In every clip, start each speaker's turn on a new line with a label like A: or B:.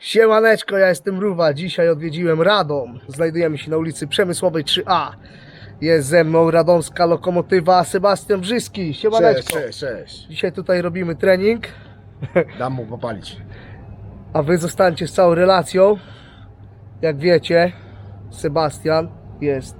A: Siemaneczko, ja jestem Mrówa. Dzisiaj odwiedziłem Radom. Znajdujemy się na ulicy Przemysłowej 3A. Jest ze mną radomska lokomotywa Sebastian Brzyski. Siemaneczko.
B: Cześć.
A: Dzisiaj tutaj robimy trening,
B: Dam mu popalić.
A: a wy zostańcie z całą relacją. Jak wiecie, Sebastian jest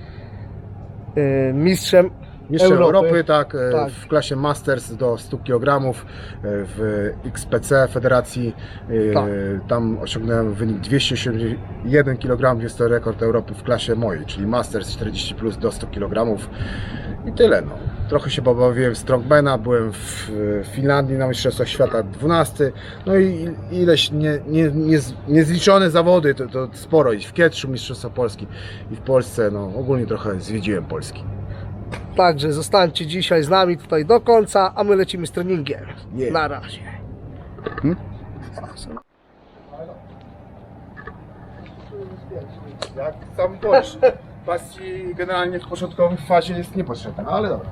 A: mistrzem
B: Mistrzem
A: Europy.
B: Europy, tak,
A: Tak.
B: w klasie Masters do 100 kg w XPC Federacji.
A: Tak.
B: Tam osiągnąłem wynik 281 kg. Jest to rekord Europy w klasie mojej, czyli Masters 40 plus do 100 kg. I tyle. No. Trochę się pobawiłem w Strongmana, byłem w Finlandii na Mistrzostwach Świata 12. No i ileś niezliczone zawody, to sporo. I w Kietrzu Mistrzostwa Polski i w Polsce, no ogólnie trochę zwiedziłem Polski.
A: Także zostańcie dzisiaj z nami tutaj do końca, a my lecimy z treningiem.
B: Yeah.
A: Na razie.
B: Jak sam wiesz, pasji generalnie w początkowej fazie jest niepotrzebna, ale dobra.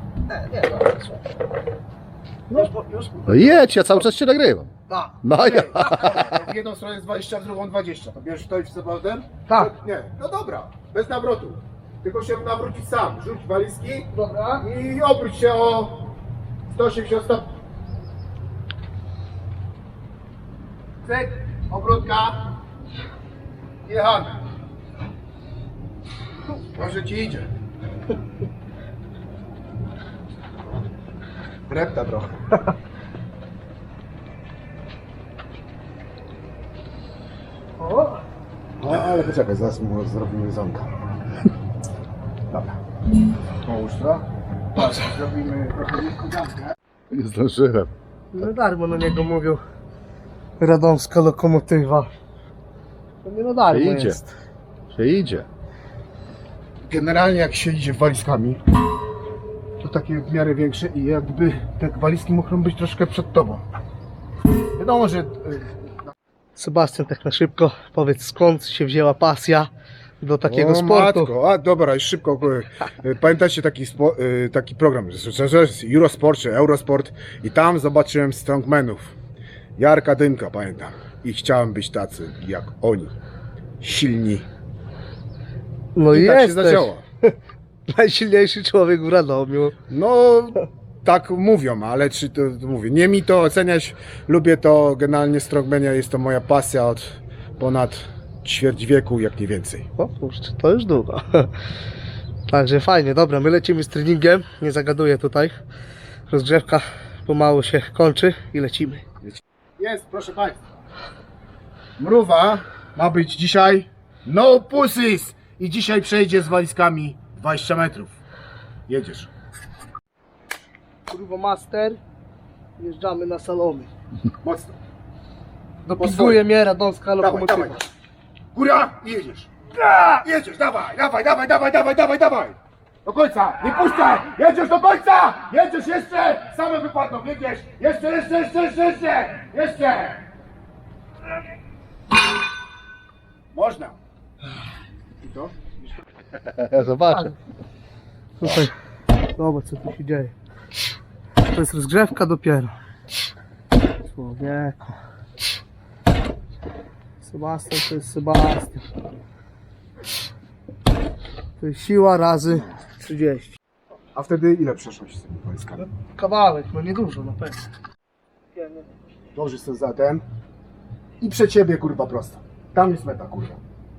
C: No jedź, ja cały czas cię nagrywam.
A: Tak.
C: No ja.
B: W jedną stronę jest 20, w drugą 20. To bierzesz to i z powrotem?
A: Tak.
B: Nie, no dobra, bez nawrotu. Tylko się nawrócić sam. Rzuć walizki
A: Dobra.
B: i obróć się o 180 stopni. Cyk, obrótka. Jechamy. Może ci idzie. Repta trochę.
A: O.
B: No ale poczekaj, zaraz mu zrobimy zonka. Dobra. Połóż to. Zrobimy trochę nisko.
C: Nie zdążyłem.
A: No darmo na niego mówią radomska lokomotywa. To nie na darmo
C: Idzie.
A: jest.
C: Się idzie.
B: Generalnie jak się idzie walizkami, to takie w miarę większe i jakby te walizki muszą być troszkę przed tobą. Wiadomo, że
A: Sebastian, tak na szybko, powiedz skąd się wzięła pasja do takiego
B: o,
A: sportu.
B: Matko. A dobra, już szybko. Pamiętacie taki program, że jest Eurosport czy Eurosport i tam zobaczyłem strongmanów. Jarka Dymka, pamiętam. I chciałem być tacy jak oni. Silni.
A: No
B: I
A: i
B: tak się
A: jesteś
B: zaczęło.
A: najsilniejszy człowiek w Radomiu.
B: No, tak mówią, ale czy to mówię, nie mi to oceniać, lubię to, generalnie strongmania jest to moja pasja od ponad ćwierć wieku, jak nie więcej.
A: O kurczę, to już długo. Także fajnie, dobra, my lecimy z treningiem, nie zagaduję tutaj. Rozgrzewka pomału się kończy i lecimy.
B: Jest, proszę Państwa. Mrówa ma być dzisiaj no pussies i dzisiaj przejdzie z walizkami 20 metrów. Jedziesz.
A: Turbo Master, jeżdżamy na salony.
B: Mocno.
A: Dopinguje mnie radomska lokomotywa.
B: Dawaj. Góra i jedziesz. Jedziesz, dawaj. Do końca, nie puszczaj! Jedziesz do końca! Jedziesz jeszcze! Same wypadną, jedziesz! Jeszcze! Można. I to?
C: Ja zobaczę.
A: Tutaj, zobacz co tu się dzieje. To jest rozgrzewka dopiero. Człowieku. Sebastian to jest Sebastian. To jest siła razy 30.
B: A wtedy ile przeszłość z tymi walizkami?
A: Kawałek, no niedużo na pewno.
B: Dążysz sobie za ten i przed ciebie kurwa prosto. Tam jest meta kurwa.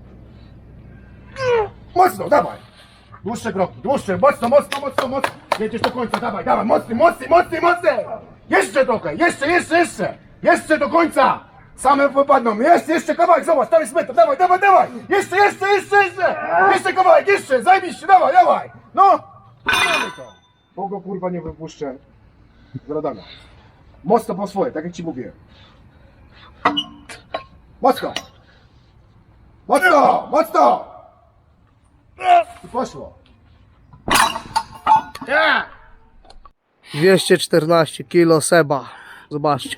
B: Mocno, dawaj! Dłuższe kroki, mocno. Jedziesz do końca, dawaj, mocny! Jeszcze trochę, jeszcze do końca! Same wypadną, jeszcze kawałek, zobacz, tam jest meta, dawaj! Jeszcze! Jeszcze kawałek, zajebiście, dawaj! No! Mamy to! Bo go kurwa nie wypuszczę z radana. Mocno po swoje, tak jak ci mówiłem. Mocno! I poszło.
A: 214 kg Seba. Zobaczcie.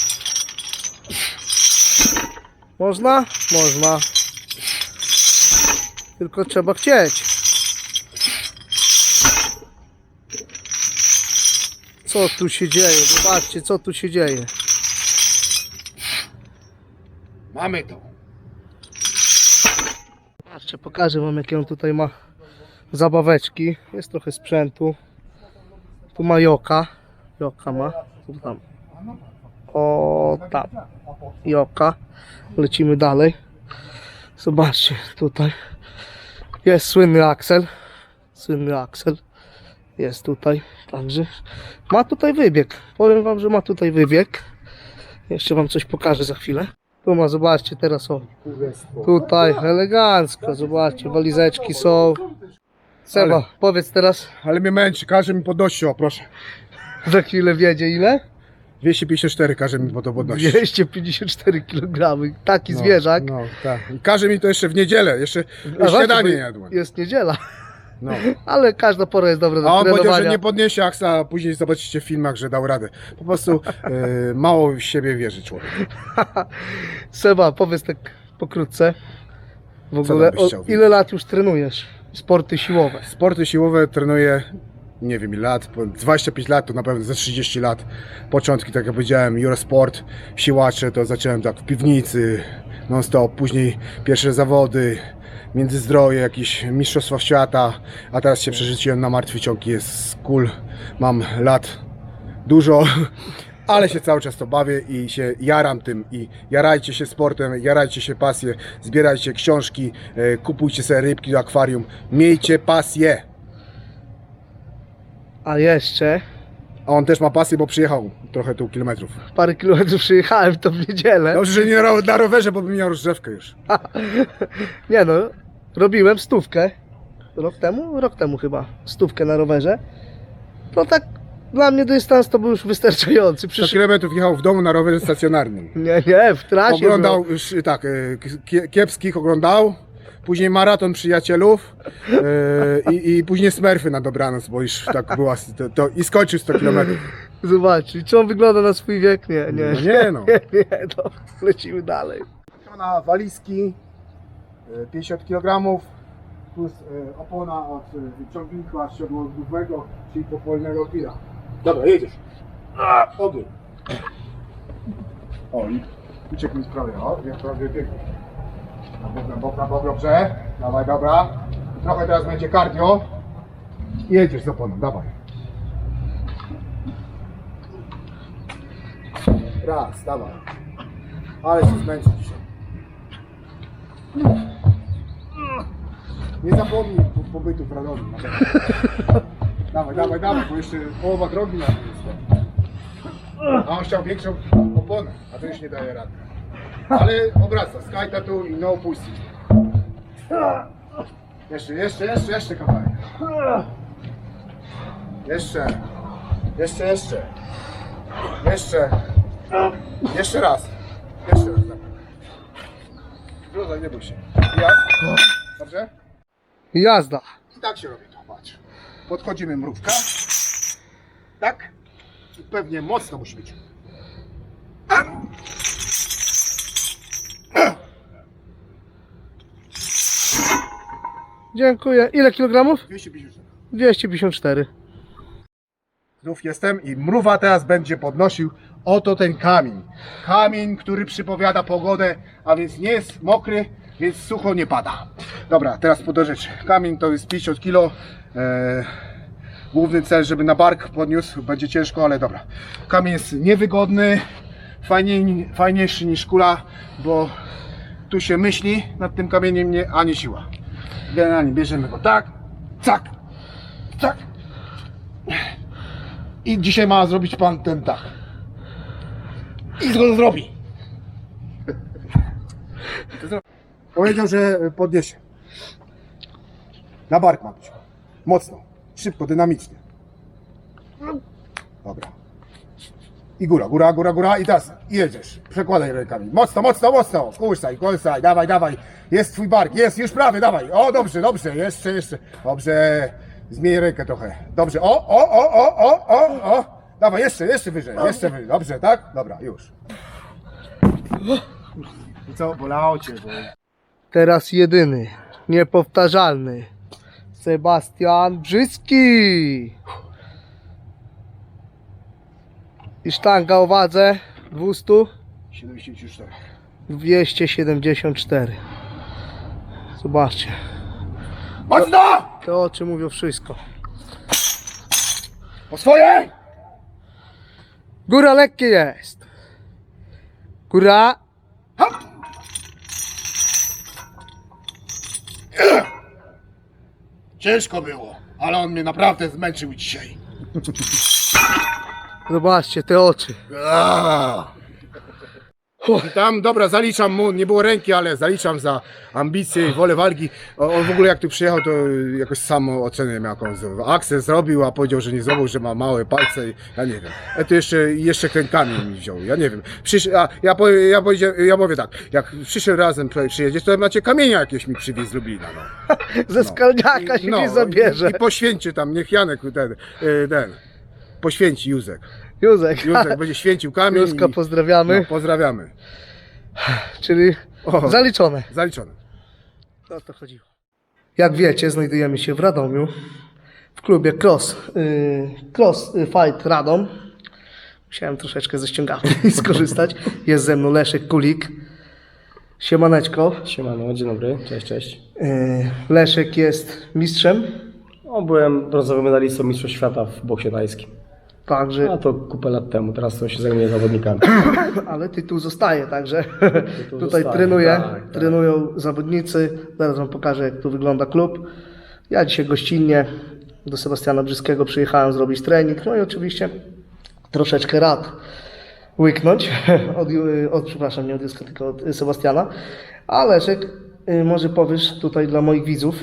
A: Można? Można. Tylko trzeba chcieć. Co tu się dzieje? Zobaczcie, co tu się dzieje.
B: Mamy to.
A: Patrzcie, pokażę wam jakie on tutaj ma zabaweczki. Jest trochę sprzętu. Tu ma joka. Joka ma. Tu tam. O tam. Joka. Lecimy dalej. Zobaczcie tutaj. Jest słynny Axel. Słynny Axel. Jest tutaj. Także ma tutaj wybieg. Powiem wam, że ma tutaj wybieg. Jeszcze wam coś pokażę za chwilę. Tu ma, zobaczcie teraz o. Tutaj elegancko, zobaczcie, walizeczki są. Seba,
B: Ale-
A: powiedz teraz,
B: Ale mnie męczy, każe mi podnosić, o proszę.
A: za chwilę wiedzie ile?
B: 254 każe mi to podnosić.
A: 254 kg, taki zwierzak.
B: No, tak. I każe mi to jeszcze w niedzielę, jeszcze
A: A
B: śniadanie
A: właśnie,
B: nie
A: bo
B: jadłem.
A: jest niedziela,
B: No.
A: ale każda pora jest dobra
B: A
A: do
B: on powiedział, że
A: trenowania.
B: nie podniesie aksa, a później zobaczycie w filmach, że dał radę. Po prostu mało w siebie wierzy człowiek.
A: Seba, powiedz tak pokrótce. W
B: Co
A: ogóle,
B: tam byś chciał
A: ile lat już trenujesz sporty siłowe?
B: Sporty siłowe trenuję, nie wiem ile lat, 25 lat, to na pewno ze 30 lat. Początki, tak jak powiedziałem, Eurosport, siłacze, to zacząłem tak w piwnicy, non stop, później pierwsze zawody, Międzyzdroje, jakieś mistrzostwa świata, a teraz się przerzuciłem na martwy ciąg, jest cool, mam lat dużo, ale się cały czas to bawię i się jaram tym i jarajcie się sportem, jarajcie się pasję, zbierajcie książki, kupujcie sobie rybki do akwarium, miejcie pasję.
A: A jeszcze
B: A on też ma pasję, bo przyjechał trochę tu kilometrów.
A: parę kilometrów przyjechałem to w niedzielę.
B: Dobrze, że nie na rowerze, bo bym miał rozgrzewkę już.
A: Nie no, robiłem stówkę. Rok temu? Rok temu chyba. Stówkę na rowerze. No tak, dla mnie dystans to był już wystarczający.
B: 100
A: Przyszedł...
B: kilometrów jechał w domu na rowerze stacjonarnym.
A: Nie, w trasie.
B: Oglądał już tak, kiepskich oglądał, później maraton przyjacielów i później Smurfy na dobranoc, bo już tak była, i skończył 100 kilometrów.
A: Zobacz, czy on wygląda na swój wiek? Nie, nie.
B: No nie no.
A: Nie, no. Lecimy dalej.
B: Na walizki 50 kg plus opona od ciągnika siodłowego, czyli popolnego tira. Dobra, jedziesz. Ogień. O, i uciekł mi z prawej, o, jak prawie biegnie. Na bok, dobrze. Dawaj, dobra. Trochę teraz będzie cardio. Jedziesz z oponą, dawaj. Raz, dawaj. Ale się zmęczy dzisiaj. Nie zapomnij pobytu w Radomiu. Dawaj, bo jeszcze połowa drogi na tym jest. A on chciał większą oponę, a to już nie daje rady. Ale obraca, skajta tu i no puścić. Jeszcze kawałek. Jeszcze raz. Wrzucaj, nie bój się. Jak? Dobrze?
A: Jazda.
B: I tak się robi to, patrz. Podchodzimy mrówka. Tak? I pewnie mocno musi być.
A: Dziękuję. Ile kilogramów?
B: 250.
A: 254.
B: Znów jestem i mrówa teraz będzie podnosił oto ten kamień. Kamień, który przypowiada pogodę, a więc nie jest mokry, więc sucho nie pada. Dobra, teraz po do rzeczy. Kamień to jest 50 kg. Główny cel, żeby na bark podniósł, będzie ciężko, ale dobra. Kamień jest niewygodny, fajniejszy niż kula, bo tu się myśli nad tym kamieniem, a nie siła. Generalnie bierzemy go tak, cak, cak. I dzisiaj ma zrobić pan ten tak. I go zrobi. Powiedział, że podniesie. Na bark ma być. Mocno. Szybko, dynamicznie. Dobra. I góra. I teraz jedziesz. Przekładaj rękami. Mocno. Kursaj. Dawaj. Jest twój bark. Jest, już prawie, dawaj. O, dobrze. Jeszcze. Dobrze. Zmień rękę trochę. Dobrze. O. Dawaj, jeszcze wyżej. Dobrze, tak? Dobra, już. I co? Bolało cię, bo...
A: Teraz jedyny, niepowtarzalny. Sebastian Brzyski. I sztanga o wadze 200.
B: 74.
A: 274. Zobaczcie.
B: Mocno!
A: Te oczy mówią wszystko.
B: Po swoje!
A: Góra lekkie jest. Góra.
B: Hop! Ciężko było, ale on mnie naprawdę zmęczył dzisiaj.
A: Zobaczcie te oczy.
B: Tam, dobra, zaliczam mu, nie było ręki, ale zaliczam za ambicje i wolę walki. On w ogóle jak tu przyjechał, to jakoś samo ocenę miał jakąś. Akces zrobił, a powiedział, że nie zrobił, że ma małe palce i ja nie wiem. To jeszcze kręgami mi wziął, ja nie wiem. Ja mówię tak, jak przyszedł razem tutaj przyjedziesz, to macie kamienia jakieś mi przywieźć z Lublina. No.
A: Ze skalniaka się nie zabierze.
B: I poświęci tam, niech Janek ten poświęci Józek.
A: Józek.
B: Józek będzie święcił kamień.
A: Józka pozdrawiamy.
B: No, pozdrawiamy.
A: Czyli zaliczone.
B: Zaliczone.
A: O to chodziło. Jak wiecie, znajdujemy się w Radomiu w klubie Cross Fight Radom. Musiałem troszeczkę ze ściągawki skorzystać. Jest ze mną Leszek Kulik. Siemaneczko.
D: Siemano, dzień dobry, cześć.
A: Leszek jest mistrzem,
D: No, byłem brązowym medalistą Mistrzostw Świata w boksie tajskim.
A: także,
D: A to kupę lat temu, teraz to się zajmuję zawodnikami.
A: ale tytuł zostaje, także tutaj
D: zostaje,
A: trenuję,
D: tak.
A: trenują zawodnicy. Zaraz wam pokażę, jak tu wygląda klub. Ja dzisiaj gościnnie do Sebastiana Brzyskiego przyjechałem zrobić trening, no i oczywiście troszeczkę rad łyknąć przepraszam, nie od Józka, tylko od Sebastiana. A Leszek, może powiesz tutaj dla moich widzów,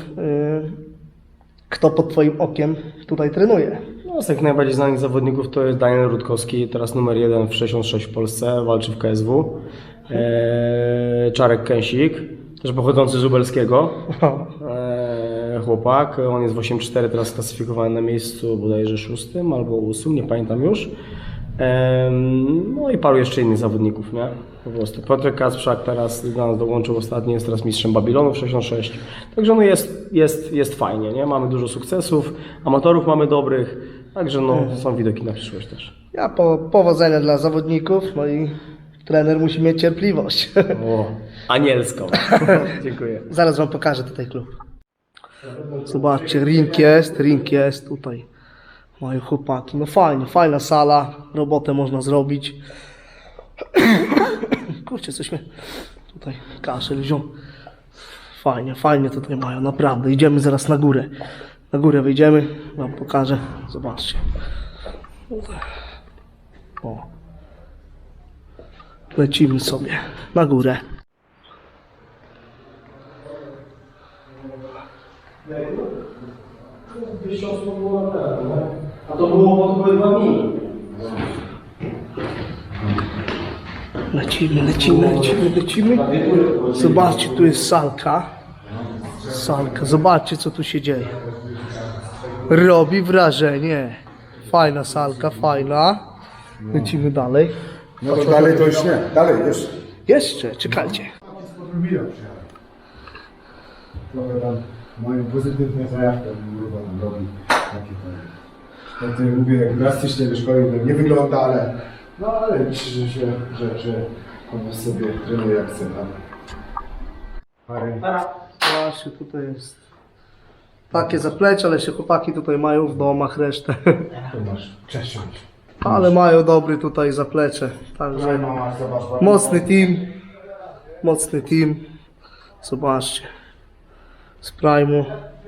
A: kto pod twoim okiem tutaj trenuje?
D: No, z tych najbardziej znanych zawodników to jest Daniel Rutkowski, teraz numer 1 w 66 w Polsce, walczy w KSW. Czarek Kęsik, też pochodzący z Lubelskiego. Chłopak, on jest w 8.4, teraz klasyfikowany na miejscu bodajże 6 albo 8, nie pamiętam już. No i paru jeszcze innych zawodników, nie? Po prostu. Piotrek Kasprzak teraz do nas dołączył ostatnio, jest teraz mistrzem Babilonu w 66. Także no jest fajnie, nie? Mamy dużo sukcesów, amatorów mamy dobrych, także no są widoki na przyszłość też.
A: Ja powodzenia dla zawodników, no i trener musi mieć cierpliwość.
D: O, anielską. Dziękuję.
A: Zaraz wam pokażę tutaj klub. Zobaczcie, ring jest tutaj. Mają chłopaki, no fajnie, fajna sala, robotę można zrobić. Kurczę, coś mnie tutaj kaszel wziął. Fajnie tutaj mają, naprawdę. Idziemy zaraz na górę. Na górę wyjdziemy, wam pokażę. Zobaczcie. O. Lecimy sobie na górę.
D: A to było po 2 dni.
A: Lecimy. Zobaczcie, tu jest salka. Zobaczcie, co tu się dzieje. Robi wrażenie. Fajna salka, fajna. Lecimy dalej.
B: No to dalej to już nie. Dalej, jeszcze.
A: Jeszcze, czekajcie.
E: Mają pozytywne zajawki, tam robi takie tam. Ja to lubię, jak drastycznie wyszkolił, nie wygląda, ale myślę, że on sobie trenuje jak chce tam.
A: Właśnie tutaj jest takie zaplecze, ale się chłopaki tutaj mają w domach resztę.
E: To masz przesiąść.
A: Ale mają dobry tutaj zaplecze. Także mocny team. Zobaczcie. Z Prime'u.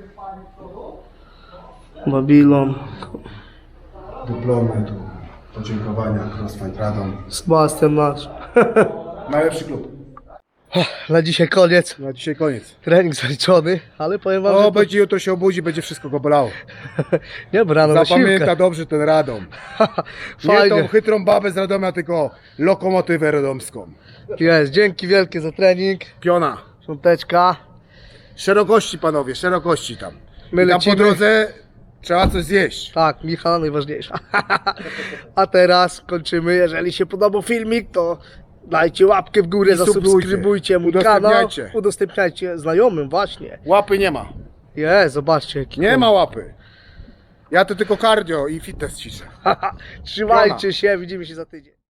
A: Babylon.
E: Dyplomy tu, podziękowania, Crossfight Radom.
A: Sebastian nasz.
B: Najlepszy klub.
A: Na dzisiaj koniec.
B: Na dzisiaj koniec.
A: Trening zaliczony, ale powiem wam,
B: O,
A: że
B: będzie jutro się obudzi, będzie wszystko go bolało.
A: nie, bo rano na
B: Zapamięta
A: siłkę.
B: dobrze ten Radom. Nie
A: Fajnie.
B: tą chytrą babę z Radomia, tylko lokomotywę radomską.
A: Jest, dzięki wielkie za trening.
B: Piona.
A: Świąteczka.
B: Szerokości panowie, szerokości tam.
A: My
B: I tam
A: lecimy.
B: po drodze trzeba coś zjeść.
A: Tak, Michała najważniejsza. A teraz kończymy. Jeżeli się podobał filmik, to dajcie łapkę w górę,
B: I subskrybujcie.
A: zasubskrybujcie mój kanał.
B: Udostępniajcie.
A: Udostępniajcie znajomym, właśnie.
B: Łapy nie ma.
A: Zobaczcie jaki
B: Nie ma łapy. Ja to tylko cardio i fitness ćwiczę.
A: Trzymajcie się, widzimy się za tydzień.